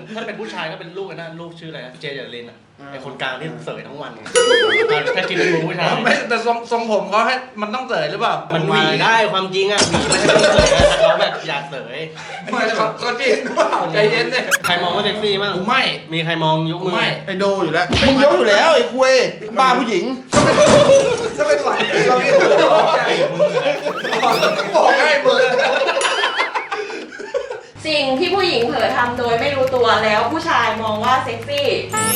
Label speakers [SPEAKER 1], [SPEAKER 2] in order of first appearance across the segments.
[SPEAKER 1] ถ้าเป็นผู้ชายก็เป็นลูกนะลูกชื่ออะไรนะเจเจรินอ่ะไอคนกลางที่เสยทั้งวันถ้ากินเป็นผู้ชาย
[SPEAKER 2] ไม่แต่ทรงผมเขาให้มันต้องเสยหรือเปล่า
[SPEAKER 1] มันหวีได้ความจริงอ่ะหวีไม่ใช่ต้องเสยแต่เขาแบบอยากเสย
[SPEAKER 2] ไม่เขาจริงหรือเปล่าใจเย็นเลย
[SPEAKER 1] ใครมองว่าเซ็กซี่บ้าง
[SPEAKER 2] ไม่
[SPEAKER 1] มีใครมองยกมือ
[SPEAKER 2] ไม่
[SPEAKER 3] ไอโดอยู่แล้วมึงยกอยู่แล้วไอ้คุยบ้าผู้หญิง
[SPEAKER 2] ถ้าเป็นฝ่ายเราไม่ถูกบอกใจบอกให้มือ
[SPEAKER 4] สิ่งที่ผู้หญิงเผลอทำโดยไม่รู้ตัวแล้วผู้ชายมองว่าเซ็กซี่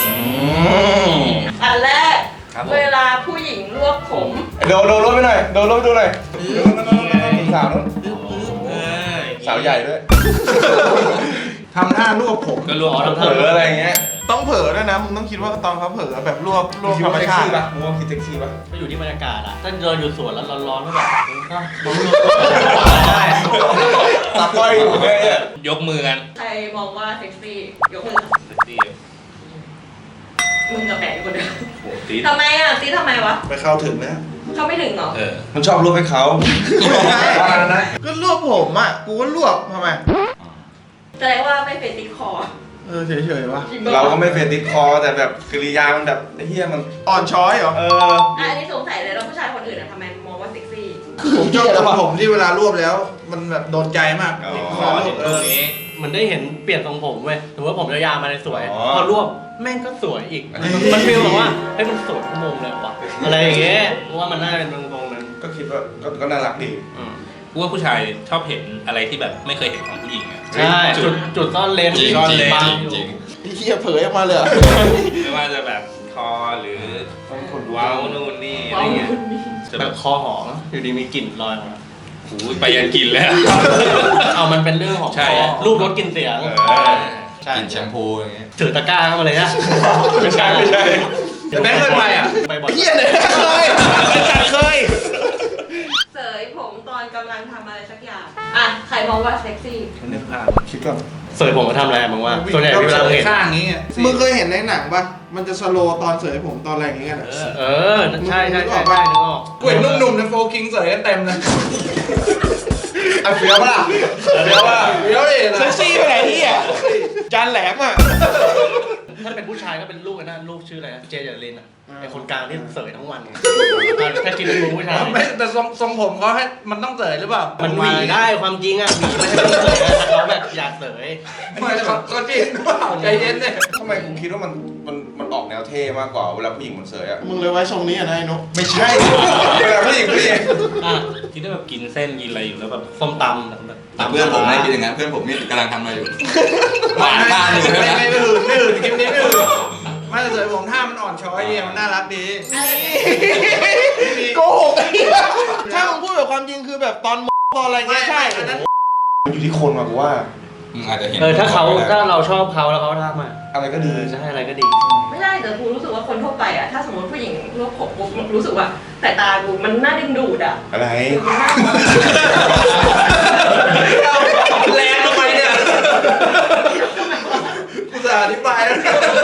[SPEAKER 4] อันแรกเวลาผู้หญิงรวบผม
[SPEAKER 3] โดรถไปหน่อยโดรถไปดูหน่อยสาวนู้นสาวใหญ่ด้วยทำหน้ารวบผม
[SPEAKER 1] ก็รวบ
[SPEAKER 3] เผลออะไรเงี้ยต้องเผลอด้วยนะมึงต้องคิดว่าตอนเขาเผลอแบบรวบธรรมชาติป่ะมึงว่าคิดเซ็กซี่ป่ะ
[SPEAKER 1] ก็อยู่ที่บรรยากาศอ่ะถ้าเดินอยู่สวนแล้วร้อนๆก็แบบก็ได้
[SPEAKER 3] ตาก้อยอยู่เลย
[SPEAKER 5] ยกมือกัน
[SPEAKER 4] ใครมองว่าเซ็กซี่ยกมือ
[SPEAKER 5] เซ็กซี่
[SPEAKER 4] มึงกับแปะอยู่คนเดียวทำไมอ่ะซีทำไมวะ
[SPEAKER 3] ไปเข้าถึงนะ
[SPEAKER 4] เขาไม่ถึงเหรอ
[SPEAKER 3] มันชอบรวบให้เขาก็รวบผมอ่ะกูก็รวบทำไม
[SPEAKER 4] แสดงว่าไม่เป็นติดคอ
[SPEAKER 3] เฉยๆวะเราก็ไม่เฟติดคอแต่แบบกริยามันแบบไอ้เหี้ยมันอ่อนช้อยเหรอ
[SPEAKER 4] อันนี้สงสัยเลยแล้วผู้ชายคนอื่นทำไมมองว่าเซ็กซี่
[SPEAKER 3] ผมชอบทำผมที่เวลารวบแล้วมันแบบโดนใจมาก
[SPEAKER 1] มันได้เห็นเปลี่ยนทรงผมเว้ยถือว่าผมยาวๆมาเลยสวยพอรวบแม่งก็สวยอีกมันฟีลแบบว่าให้มันสวยชั่วโมงเลยวะอะไรอย่างเงี้ยว่ามันน่าเป็นตรงนั้น
[SPEAKER 3] ก็คิดว่าก็น่ารักดี
[SPEAKER 5] กูว่าผู้ชายชอบเห็นอะไรที่แบบไม่เคยเห็นของผู้หญิงอ่ะ
[SPEAKER 1] ใช่จุดซ่อนเลน
[SPEAKER 5] ซ่อนเลนจริง
[SPEAKER 3] พี่เหี้ยเผยออกมาเลย
[SPEAKER 5] ไม่ว่าจะแบบคอหรือว้าวนู่นนี่อะไรเงี้ย
[SPEAKER 1] แบบคอหอมอยู่ดีมีกลิ่นลอยมา
[SPEAKER 5] ไปยันกินแล้ว
[SPEAKER 1] เอามันเป็นเรื่องของรูปรสกลิ่นเสียง
[SPEAKER 5] กินแชมพูอย่างเงี้ย
[SPEAKER 1] ถือตะกร้าเข้ามาเลยนะ
[SPEAKER 3] ไม่ใช่
[SPEAKER 2] แต่แม่เคยไปอ่ะ
[SPEAKER 1] ไปบ่อย
[SPEAKER 3] เหี้ยเลยเคย
[SPEAKER 4] เสยผมตอนกำลังทำอะไรสักอย่างอ่ะใครมองว่าเซ็กซี่
[SPEAKER 3] นึกภาพคิดก่อน
[SPEAKER 1] เสยผมมาทำอะไรมึงว่าส่วนใหญ่เวลาเห็น
[SPEAKER 2] ข้างนี้
[SPEAKER 3] มึงเคยเห็นในหนังป่ะมันจะสโลตอนเสยผมตอนอะไรอย่างเงี้ย
[SPEAKER 1] ใช่นึกออก
[SPEAKER 2] กูเห็นหนุ่มๆในโฟกิงเสยกันเต็มเลย
[SPEAKER 3] เฟี้ยวป่ะเฟี้ยว
[SPEAKER 2] ดิ
[SPEAKER 3] เซ็กซี่ไปไหนที่อ่ะจานแหลมอ่ะ
[SPEAKER 1] ถ้าเป็นผู้ชายก็เป็นลูกนะลูกชื่ออะไรนะเจเจรินอ่ะไอคนกลางที่เสยทั้งวันถ้ากินเป็นผู้ชาย
[SPEAKER 2] ไม่แต่ทรงผมเขาให้มันต้องเสยหรือเปล่า
[SPEAKER 1] มันหวีได้ความจริงอ่ะหวีไม่ใช่ต้องเสยแต่เขาแบบอยากเสย
[SPEAKER 2] ไม่เขาจริงหรือเปล่าใจเย็นเลย
[SPEAKER 3] ทำไมกูคิดว่ามันออกแนวเท่มากกว่าเวลาผู้หญิงมันเสยอ่ะมึงเลยไว้ทรงนี้อ่ะนายนุ๊กไม่ใช่เวลาผู้หญิง
[SPEAKER 5] คิดว่าแบบกินเส้นกินอะไรอยู่แล้วแบบ
[SPEAKER 1] ส้มตำ
[SPEAKER 5] เพื่อนผมไม่คิดอย่างนั้นเพื่อนผมนี่กำลังทำอะไรอยู่หวานตาอยู่
[SPEAKER 2] ไม่หื่นคลิปนี้ไม่หื่นไม่แต่เสยผมท่ามันอ่อนช้อยดีมันน่ารักดี
[SPEAKER 3] โกหกถ้ามึงพูดแบบความจริงคือแบบตอนอะไรเงี้ยใช่อยู่ที่คนว่ะกูว่า
[SPEAKER 5] อาจจะเห็น
[SPEAKER 1] ถ้าเราชอบเขาแล้วเขาทำ
[SPEAKER 3] อะไรก็ดี
[SPEAKER 1] ใช่อะไรก็ดี
[SPEAKER 4] ไม่ได้แต่กูรู้สึกว่าคนทั่วไปอ่ะถ้าสมมติผู้หญิงรวบผมปุ๊บรู้สึกว่าแต่ตากูมันน่าดึงดูดอ่ะ
[SPEAKER 3] อะไร
[SPEAKER 2] แรงทำไมเนี่ยกูจะอธิบายแล้ว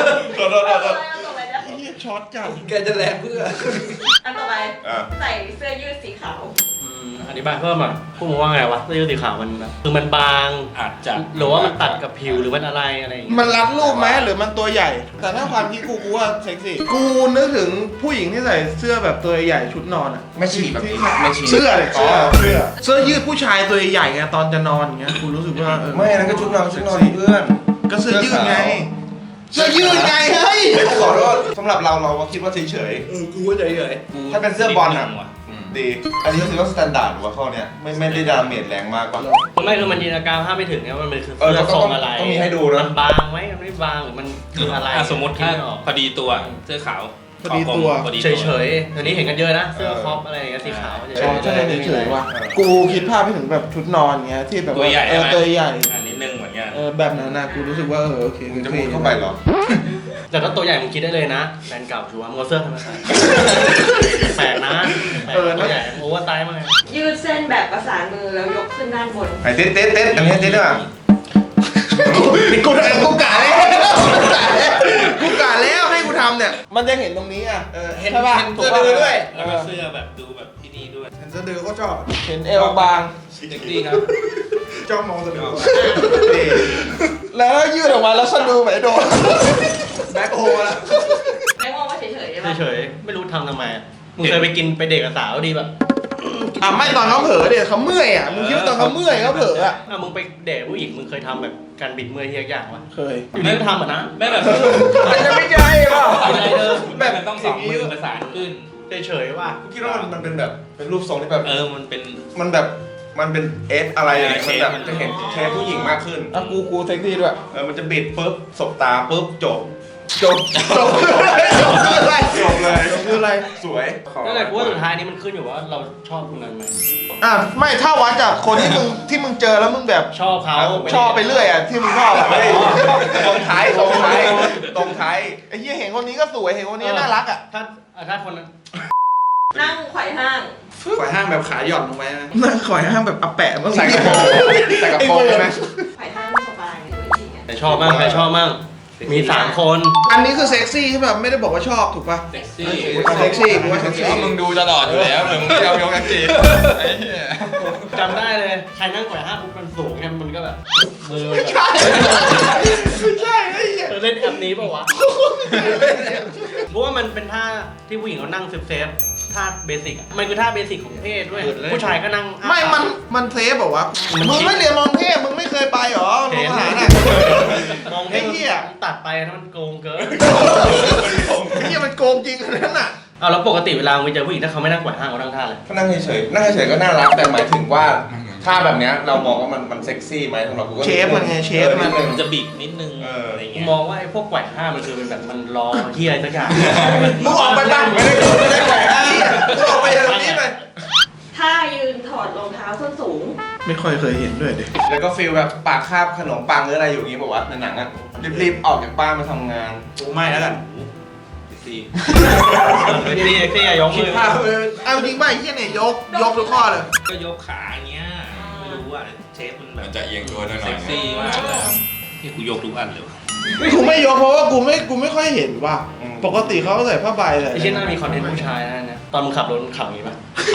[SPEAKER 3] ช็อตจัง
[SPEAKER 2] แกจะแรงเพื่อ
[SPEAKER 4] อันต่อไปใส่เสื้อยืดสีขาว
[SPEAKER 1] อธิบายเพิ่มอ่ะพูดมาว่าไงวะเสื้อยืดสีขาวมันคือมันบาง
[SPEAKER 5] อาจจะ
[SPEAKER 1] หรือว่ามันตัดกับผิวหรือมันอะไรอย่างเงี้ย
[SPEAKER 3] มันรัดรูปไหมหรือมันตัวใหญ่แต่ถ้าความคิดกูว่าเซ็กซี่กูนึกถึงผู้หญิงที่ใส่เสื้อแบบตัวใหญ่ชุดนอนอ่ะ
[SPEAKER 5] ไม่ฉีแบบ
[SPEAKER 3] ไม่ฉีเสื้อเลยเสื้อยืดผู้ชายตัวใหญ่ไงตอนจะนอนอย่างเงี้ยกูรู้สึกว่าไม่นั่นก็ชุดนอนเพื่อนก็เสื้อยืดไงเสื้อยืดไงเฮ้ยขอโทษสำหรับเราคิดว่าเฉย
[SPEAKER 2] กูก็เฉย
[SPEAKER 3] ถ้าเป็นเสื้อบอลอ่ะดีอันนี้ก็ถือว่าสแตนดาร์ดว่าข้อเนี้ยไม่ได้ดาเมจแรงมากป่ะ
[SPEAKER 1] ไม่คือมันจินตนาการภาพไม่ถึงเนี่ยมันคือเสื้อทรงอะไร
[SPEAKER 3] ต้องมีให้ดูนะ
[SPEAKER 1] มันบางไหมมันไม่บางหรือมันคืออะไร
[SPEAKER 5] สมมติถ้าพอดีตัวเสื้อขาว
[SPEAKER 3] พอดีตัว
[SPEAKER 1] เฉยๆตอนนี้เห็นกันเยอะนะเสื้อครอปอะไรอย่างเงี้ยสีขาว
[SPEAKER 3] ใช่เฉยๆว่ะกูคิดภาพไปถึงแบบชุดนอนเงี้ยที่แบบ
[SPEAKER 5] ตัวใหญ่
[SPEAKER 3] อั
[SPEAKER 5] นนี้นึงเหมือนกัน
[SPEAKER 3] แบบนั้นนะกูรู้สึกว่าโอเค
[SPEAKER 5] จะมุดเข้าไปหรอ
[SPEAKER 1] แต่ถ้าตัวใหญ่มึงคิดได้เลยนะแฟนเก่าชัวร์มึงเสื้อทำไมใส่แปลกนะตัวใหญ่โอเวอร์ไซส์มาก
[SPEAKER 4] ยืดเส้นแบบประสานมือแล้วยกขึ้นด้านบน
[SPEAKER 3] ไอ้เต้นอันนี้เต้นด้วยกูกะแล้วให้กูทำเนี่ยมันจะเห็นตรงนี้อ่ะ
[SPEAKER 2] เห็นเสื้อดื้อด้วย
[SPEAKER 5] แล้วก็เสื้อแบบดูแบบที่นี่ด้วย
[SPEAKER 2] เห็นเสื้อดื้อก็ชอบ
[SPEAKER 3] เห็นเอวบาง
[SPEAKER 5] เซ็กซี่ครับ
[SPEAKER 2] จ้องมองสะดือ
[SPEAKER 3] แล้วยืดออกมาแล้วฉันดูไหมโดน
[SPEAKER 2] แบ็คโฮละ
[SPEAKER 4] ไม่มองว่าเฉยๆใช่ปะ
[SPEAKER 1] เฉยๆไม่รู้ทำทำไมอะมึงเคยไปกินไปเด็กกับสาวดีแบบ
[SPEAKER 3] ไม่ตอนเขาเผลอเดี๋ยวเขาเมื่อยอ่ะมึงคิดว่าตอนเขาเมื่อยเขาเผลออ่ะ
[SPEAKER 1] มึงไปเดทผู้หญิงมึงเคยทำแบบการบิดเมื่อยที่ยากๆวะ
[SPEAKER 3] เคย
[SPEAKER 1] อยู่นี่ก็ทำอ่ะนะ
[SPEAKER 5] ไม่แบบ
[SPEAKER 2] มันจะไม่ใช่ป่ะ
[SPEAKER 1] อะไรเดิม
[SPEAKER 5] แบบมันต้องสองมือประสานขึ้น
[SPEAKER 1] เฉยๆว่า
[SPEAKER 3] คิดว่ามันเป็นแบบเป็นรูปทรงที่แบบ
[SPEAKER 5] มันเป็น
[SPEAKER 3] มันแบบมันเป็นเอสอะไรอย่างเงี้ย
[SPEAKER 5] เอ
[SPEAKER 3] มัน
[SPEAKER 5] อ
[SPEAKER 3] แบบ
[SPEAKER 5] มัน
[SPEAKER 3] จะเห็นเคสผู้หญิงมากขึ้น
[SPEAKER 6] อ่ะกูเซ็กซี่ด้วย
[SPEAKER 3] มันจะบิดปุ๊บสบตาปุ๊บจบ
[SPEAKER 6] จบคืออะไรจบคืออะไร
[SPEAKER 3] จบเลย
[SPEAKER 6] จบคืออะไร
[SPEAKER 3] สวย
[SPEAKER 1] นั่นแหละกูว่าสุดท้ายนี้มันขึ้นอยู่ว่าเราชอบคนนั้นไหม
[SPEAKER 6] ไม่ถ้าวัดจากคนที่มึงเจอแล้วมึงแบบ
[SPEAKER 1] ชอบเขา
[SPEAKER 6] ชอบไปเรื่อยอ่ะที่มึงชอบอ่ะ
[SPEAKER 3] เฮ้ยตรงท้ายตรงท้ายตรงท้าย
[SPEAKER 6] ไอ้เหี้ยเห็นคนนี้ก็สวยเห็นคนนี้น่ารักอ่ะ
[SPEAKER 1] ถ้าคนนั้น
[SPEAKER 4] นั่งไขว่ห้าง
[SPEAKER 2] ฝ่ายห้างแบบขาหย่อนลงไปนะ
[SPEAKER 6] นั่งขอยห้ามแบบอาแปะบ้าง
[SPEAKER 3] ใส่กระโปรงใส่กระโปรงใช่ไหม
[SPEAKER 4] ไขว่ห้างไม่สบายเลยจริงๆอะ
[SPEAKER 1] แต่ชอบมั่งใครชอบมั่งมี3 คน
[SPEAKER 6] อันนี้คือเซ็กซี่ใช่ป่ะไม่ได้บอกว่าชอบถูกป่ะ
[SPEAKER 5] เซ็กซี่
[SPEAKER 6] เซ็กซี่กูว่าเซ็กซี่
[SPEAKER 5] มึงดูตลอดอยู่แล้วมึงเที่ยวยกกันจีไอ้เหี้ย
[SPEAKER 1] จำได้เลยใครนั่งแขวนห้าปุ๊บมันสูงไงมันก็แบบมือแบบ
[SPEAKER 6] ไม่ใช่ไอ้เหี้ย
[SPEAKER 1] เล่นแอปนี้เปล่าวะเพราะว่ามันเป็นท่าที่ผู้หญิงเขานั่งเซฟท่าเบสิกอะมันคือท่าเบสิกของเพศด้วยผู้ชายก็นั่งอ้า
[SPEAKER 6] ไม่
[SPEAKER 1] ปาก
[SPEAKER 6] มันเซฟบอกว่า
[SPEAKER 1] มัน
[SPEAKER 6] มึงไม่เรียนมองเทพมึงไม่เคยไปหรอโรงอาหารอ่ะ
[SPEAKER 1] มอง
[SPEAKER 6] ไอ้เหี้ย
[SPEAKER 1] ตัดไปนะมันโกงเกิน
[SPEAKER 6] ไอ้เหี้ยมันโกงจริงขนาดนั้นอ่ะ
[SPEAKER 1] เอาแล้วปกติเวลามึงเจอผู้หญิงถ้าเขาไม่นั่งแขวนห้างเขานั่งท่าอะไร
[SPEAKER 3] ก็นั่งเฉยๆนั่งเฉยๆก็น่ารักแต่หมายถึงว่าถ้าแบบเนี้ยเรามองว่ามันเซ็กซี่ไหมสำหรับกูก็
[SPEAKER 6] เชฟมันไงเชฟมัน
[SPEAKER 5] มันจะบิดนิดนึงอะไร
[SPEAKER 1] กู
[SPEAKER 5] เงี้ย
[SPEAKER 1] มองว่าไอ้พวกแขวนห้างมันคือเป็นแบบมันรอเฮียอะไรสักอย่าง
[SPEAKER 2] มึงออกไปบ้างไม่ได้แขวนห้างมึงออกไปจากตรงนี้ไป
[SPEAKER 4] ถ้ายืนถอดรองเท้าส้นสูง
[SPEAKER 6] ไม่ค่อยเคยเห็นด้วยดิ
[SPEAKER 3] แล้วก็ฟีลแบบปากคาบขนมปังหรืออะไรอยู่อย่างงี้บอกว่าในหนังอ่ะรีบๆออกจากบ้านมาทำงาน
[SPEAKER 2] กูไม่แล้วกัน
[SPEAKER 5] ซี่
[SPEAKER 1] นี่เอ็กซี่ยก
[SPEAKER 2] คิ
[SPEAKER 1] มื
[SPEAKER 2] ด
[SPEAKER 1] อ
[SPEAKER 2] ภาพเลย
[SPEAKER 6] เอาจริงป่ะไอ้เหี้ยเนี่ยยกทุกข้อเลย
[SPEAKER 5] ก็ยกขาอย่างเงี้ยไม่รู้อ่ะเชฟมันแบ
[SPEAKER 7] มั
[SPEAKER 5] บ
[SPEAKER 7] นจะเอียงตัวหน่อย
[SPEAKER 5] เซ็กซี่มากเลยที่กูยกทุกอันเลย
[SPEAKER 6] กูไม่ยกเพราะว่ากูไม่ค่อยเห็นว่ะปกติเขาใส่ผ้าใบใส่
[SPEAKER 1] ไอ้เช่นน่ามีคอนเทนต์ผู้ชายนะเนี่ยตอนมึงขับรถมึงขับอย่างนี้ป่ะ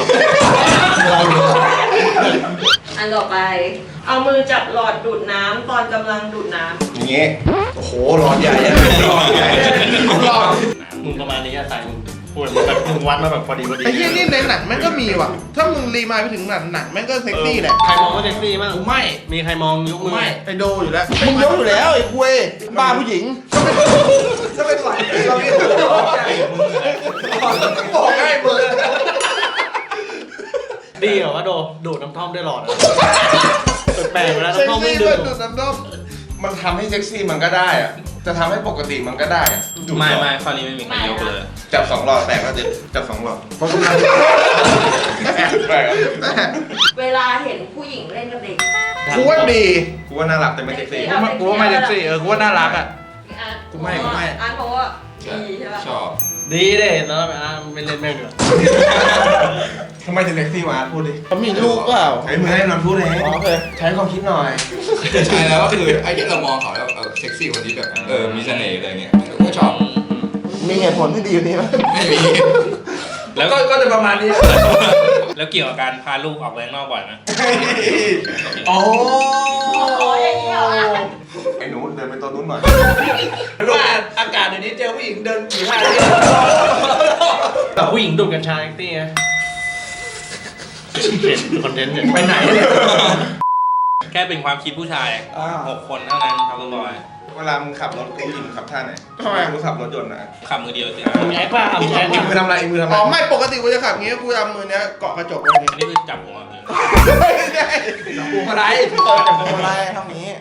[SPEAKER 4] อันต่อไป เอามือจับหลอดดูดน้ำตอนกำลังดูดน้ำ
[SPEAKER 3] อย่างงี้โอ้โหร้อนใหญ่อะร้อนใหญ่ร้อน
[SPEAKER 1] มึงประมาณนี้อะใส่มึงปวดมึงแบบมึงวัดมาแบบพอดี
[SPEAKER 6] ไอ้เหี้ยนี่ในหนังแม่งก็มีว่ะ ถ้ามึงรีมายไปถึงหนังแม่งก็เซ็กซี่แหละ
[SPEAKER 1] ใครมองว่าเซ็กซี่บ้าง
[SPEAKER 2] กูไม่
[SPEAKER 1] มีใครมองยกมือ
[SPEAKER 2] ไม่
[SPEAKER 6] ไอโดอยู่แล้ว มึงยกอยู่แล้วไอ้คุยบ้าผู้หญิง
[SPEAKER 2] ถ้าเป็นฝ่ายเราไม่ถูกบอกใจบอกให้มึง
[SPEAKER 1] ดีเหรอว่าโดดูดน้ำท่อมได้หลอดอะแปลกๆเวลา
[SPEAKER 6] เซ็ก
[SPEAKER 1] น้ำท่อมไม่
[SPEAKER 6] ซี่
[SPEAKER 1] ดู
[SPEAKER 6] ด้วย
[SPEAKER 1] ด
[SPEAKER 6] ดูดน้ำด้อม
[SPEAKER 3] มันทำให้เซ็กซี่มันก็ได้อะจะทำให้ปกติมันก็ได้อะดูด
[SPEAKER 5] ไม่
[SPEAKER 3] ก่อน
[SPEAKER 5] ไม่ข้อนี้ไม่มีใครยกเลย
[SPEAKER 3] จับ2 หลอดแตกก็จะจับ2 หลอด
[SPEAKER 6] เพราะกำลัง
[SPEAKER 3] แปลกอะ
[SPEAKER 4] เวลาเห็นผู้หญิงเล่นกับเด็ก
[SPEAKER 6] กูว่าดี
[SPEAKER 3] กูว่าน่ารักแต่ไม่เซ็กซี่
[SPEAKER 2] กูว่าไม่เซ็กซี่กูว่าน่ารักอ่ะ
[SPEAKER 4] อาร์ต
[SPEAKER 2] กูไม่
[SPEAKER 4] อาร์ตเพราะว่าดีใช่ปะ
[SPEAKER 7] ชอบ
[SPEAKER 1] ดีเด้แล้วไม่เล่นแม่งดีกว่า
[SPEAKER 3] ทำไมถึงเซ็กซี่วะพูดดิ
[SPEAKER 6] เขามีลูกเปล่า
[SPEAKER 3] ใช้มือให้นอนพูดเอง
[SPEAKER 6] โอเค
[SPEAKER 3] ใช้ความคิดหน่อย
[SPEAKER 7] ใช่แล้วก็คือไอ้ที่เรามองเขาแล้วเซ็กซี่คนนี้แบบมีเสน่ห์อะไรเงี้ยก็ชอบ
[SPEAKER 6] มีเหตุผลที่ดีอยู่นี่ไหม
[SPEAKER 7] ไม่มี
[SPEAKER 5] แล้ว
[SPEAKER 2] ก็จะประมาณนี้
[SPEAKER 5] แล้วเกี่ยวกับการพาลูกออกไปข้างนอกบ่อยไหม
[SPEAKER 3] โอ้
[SPEAKER 4] อ๋ออย่างนี้เหรอ
[SPEAKER 3] ไอ้หนูเดินไปตัวนู้นหน่อย
[SPEAKER 2] ว่าอากาศเดี๋ยวนี้เจอผู้หญิงเดินขี่ห้าง
[SPEAKER 1] แต่ผู้หญิงดูดกัญชาเซ็กซี่ไงเห็นคอนเทนต์เนี่ย
[SPEAKER 2] ไปไหนเนี่ย
[SPEAKER 5] แค่เป็นความคิดผู้ชาย6 คนเท่านั้นครับบอย
[SPEAKER 3] เวลามึงขับรถกูยิงขับท่าไหน
[SPEAKER 6] ทำไม
[SPEAKER 3] กูขับรถยนต์นะ
[SPEAKER 5] ขับมือเดียวสิ
[SPEAKER 1] มึงแอคป่ะมึงแอค
[SPEAKER 3] อีกมือทำอะไรอีกมือทำอะไร
[SPEAKER 6] อ๋อไม่ปกติกูจะขับอย่างงี้กูจะเอามือเนี้ยเกาะกระจกไว้อย่าง
[SPEAKER 5] อัน
[SPEAKER 6] งี้
[SPEAKER 5] นี้คือจับหัวเลย
[SPEAKER 6] ไม่ได้
[SPEAKER 2] กูอะไร
[SPEAKER 6] จับมืออะไรทำอย่างงี้